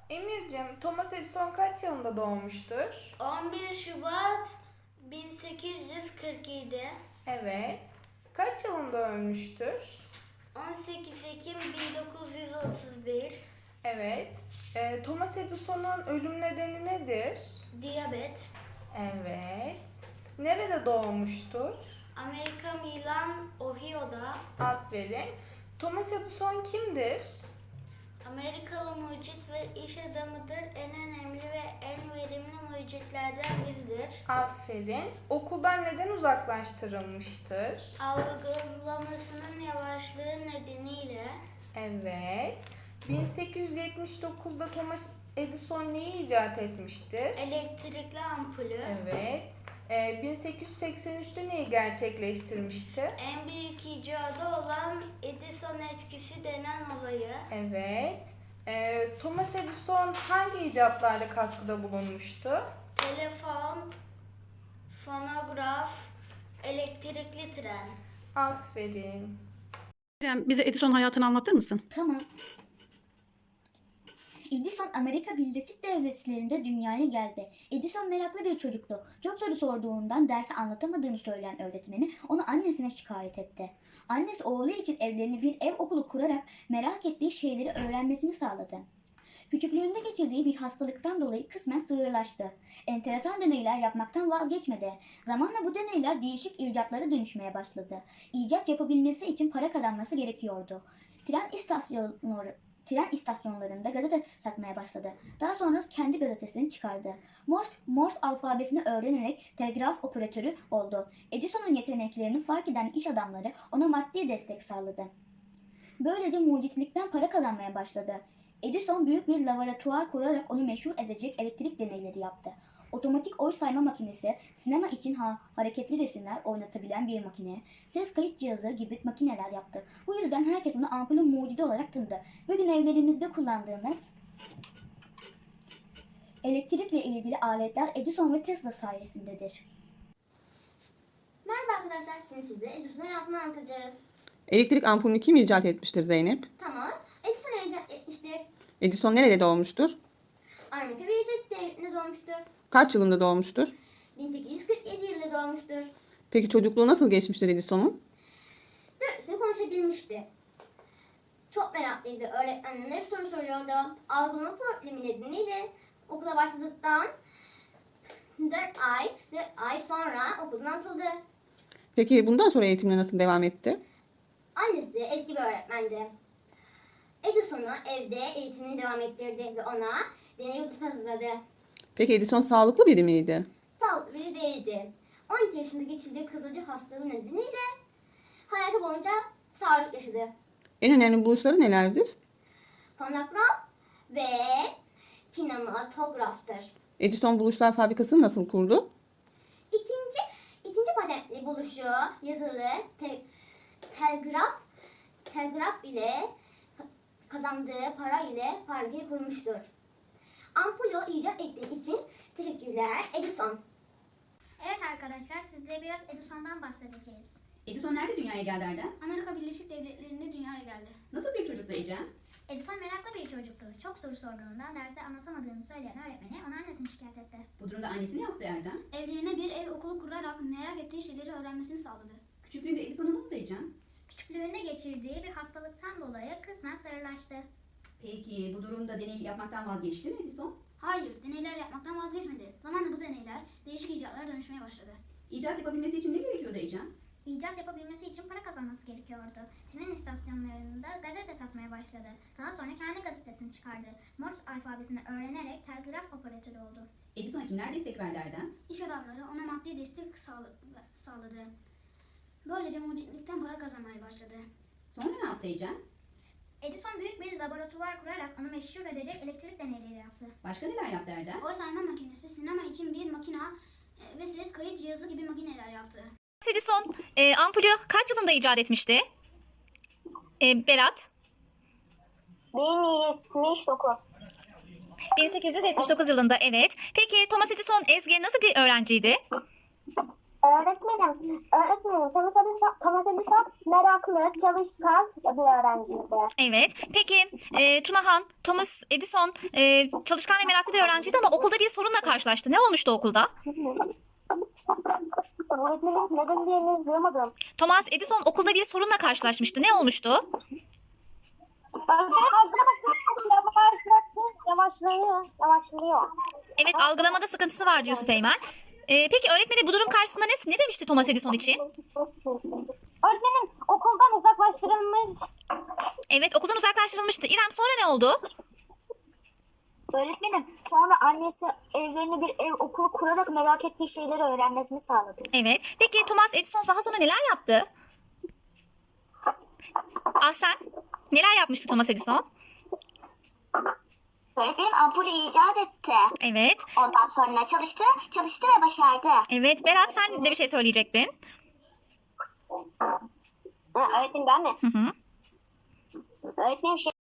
Emir'cim, Thomas Edison kaç yılında doğmuştur? 11 Şubat 1847, Evet. Kaç yılında ölmüştür? 18 Ekim 1931, Evet. Thomas Edison'un ölüm nedeni nedir? diyabet, Evet. Nerede doğmuştur? Amerika Milan, Ohio'da, Aferin. Thomas Edison kimdir? Amerikalı mucit ve iş adamıdır. En önemli ve en verimli mucitlerden biridir. Aferin. Okuldan neden uzaklaştırılmıştır? Algılamasının yavaşlığı nedeniyle Evet. 1879'da Thomas Edison neyi icat etmiştir? elektrikli ampulü, Evet. 1883'te neyi gerçekleştirmişti? en büyük icadı olan Edison etkisi denen olayı, Evet. Thomas Edison hangi icatlarla katkıda bulunmuştu? telefon, fonograf, elektrikli tren. Aferin. İrem, bize Edison hayatını anlatır mısın? Tamam. Edison Amerika Birleşik Devletleri'nde dünyaya geldi. Edison meraklı bir çocuktu. Çok soru sorduğundan dersi anlatamadığını söyleyen öğretmeni onu annesine şikayet etti. Annesi oğlu için evlerini bir ev okulu kurarak merak ettiği şeyleri öğrenmesini sağladı. Küçüklüğünde geçirdiği bir hastalıktan dolayı kısmen sığırlaştı. Enteresan deneyler yapmaktan vazgeçmedi. Zamanla bu deneyler değişik icatlara dönüşmeye başladı. İcat yapabilmesi için para kazanması gerekiyordu. Tren istasyonlarında gazete satmaya başladı. Daha sonra kendi gazetesini çıkardı. Morse alfabesini öğrenerek telgraf operatörü oldu. Edison'un yeteneklerini fark eden iş adamları ona maddi destek sağladı. Böylece mucitlikten para kazanmaya başladı. Edison büyük bir laboratuvar kurarak onu meşhur edecek elektrik deneyleri yaptı. Otomatik oy sayma makinesi, sinema için hareketli resimler oynatabilen bir makine, ses kayıt cihazı gibi makineler yaptı. Bu yüzden herkes onu ampulün mucidi olarak tanıdı. Bugün evlerimizde kullandığımız elektrikle ilgili aletler Edison ve Tesla sayesindedir. Merhaba arkadaşlar, şimdi size Edison'un hayatını anlatacağız. Elektrik ampulünü kim icat etmiştir Zeynep? Thomas Edison icat etmiştir. Edison nerede doğmuştur? Amerika Birleşik Devletleri'nde doğmuştur. Kaç yılında doğmuştur? 1847 yılında doğmuştur. Peki çocukluğu nasıl geçmiştir Edison'un? 4 sene konuşabilmişti. Çok meraklıydı. Öğretmenlerine soru soruyordu. Algılama problemi nedeniyle okula başladıktan 4 ay sonra okuldan atıldı. Peki bundan sonra eğitimine nasıl devam etti? Annesi eski bir öğretmendi. Edison'u evde eğitimini devam ettirdi ve ona deney odası hazırladı. Peki Edison sağlıklı biri miydi? Sağlıklı biri değildi. 12 yaşında geçirdiği kızılcık hastalığı nedeniyle hayatı boyunca sağlık yaşadı. En önemli buluşları nelerdir? Fonograf ve kinematograftır. Edison buluşlar fabrikasını nasıl kurdu? İkinci patentli buluşu yazılı telgraf ile kazandığı para ile fabrikayı kurmuştur. Ampulü icat ettiği için teşekkürler Edison. Evet arkadaşlar, sizlere biraz Edison'dan bahsedeceğiz. Edison nerede dünyaya geldi Erdem? Amerika Birleşik Devletleri'nde dünyaya geldi. Nasıl bir çocuktu Ecem? Edison meraklı bir çocuktu. Çok soru sorduğundan dersi anlatamadığını söyleyen öğretmeni ona annesini şikayet etti. Bu durumda annesi ne yaptı Erdem? Evlerine bir ev okulu kurarak merak ettiği şeyleri öğrenmesini sağladı. Küçüklüğünde Edison'a ne oldu Ecem? Küçüklüğünde geçirdiği bir hastalıktan dolayı kısmen sarılaştı. Peki bu durumda deney yapmaktan vazgeçti mi Edison? Hayır, deneyler yapmaktan vazgeçmedi. Zamanla bu deneyler değişik icatlara dönüşmeye başladı. İcat yapabilmesi için ne gerekiyordu Ecem? İcat yapabilmesi için para kazanması gerekiyordu. Tren istasyonlarında gazete satmaya başladı. Daha sonra kendi gazetesini çıkardı. Morse alfabesini öğrenerek telgraf operatörü oldu. Edison'a kimler destek verdi Erdem? İş adamları ona maddi destek sağladı. Böylece mucitlikten para kazanmaya başladı. Sonra ne yaptı Ecem? Edison büyük bir laboratuvar kurarak onu meşhur edecek elektrik deneyleri yaptı. Başka neler yaptı Erdem? Oy sayma makinesi, sinema için bir makina ve ses kayıt cihazı gibi makineler yaptı. Edison ampulü kaç yılında icat etmişti? Berat? 1079. 1879 yılında, evet. Peki Thomas Edison Ezgi nasıl bir öğrenciydi? Öğretmenim, Thomas Edison meraklı, çalışkan bir öğrenciydi. Evet. Peki Tunahan, Thomas Edison çalışkan ve meraklı bir öğrenciydi ama okulda bir sorunla karşılaştı. Ne olmuştu okulda? Öğretmenim, neden diye duyamadım. Thomas Edison okulda bir sorunla karşılaşmıştı. Ne olmuştu? Yavaşlıyor. Evet, algılamada sıkıntısı vardı Yusuf Eymen. Peki öğretmeni bu durum karşısında ne demişti Thomas Edison için? Öğretmenim, okuldan uzaklaştırılmış. Evet, okuldan uzaklaştırılmıştı. İrem, sonra ne oldu? Öğretmenim, sonra annesi evlerine bir ev okulu kurarak merak ettiği şeyleri öğrenmesini sağladı. Evet. Peki Thomas Edison daha sonra neler yaptı? Ahsen, neler yapmıştı Thomas Edison? Öğretmenim ampulü icat etti. Evet. Ondan sonra çalıştı ve başardı. Evet, Berat, sen de bir şey söyleyecektin. Öğretmenim ben mi? Hı hı. Öğretmenim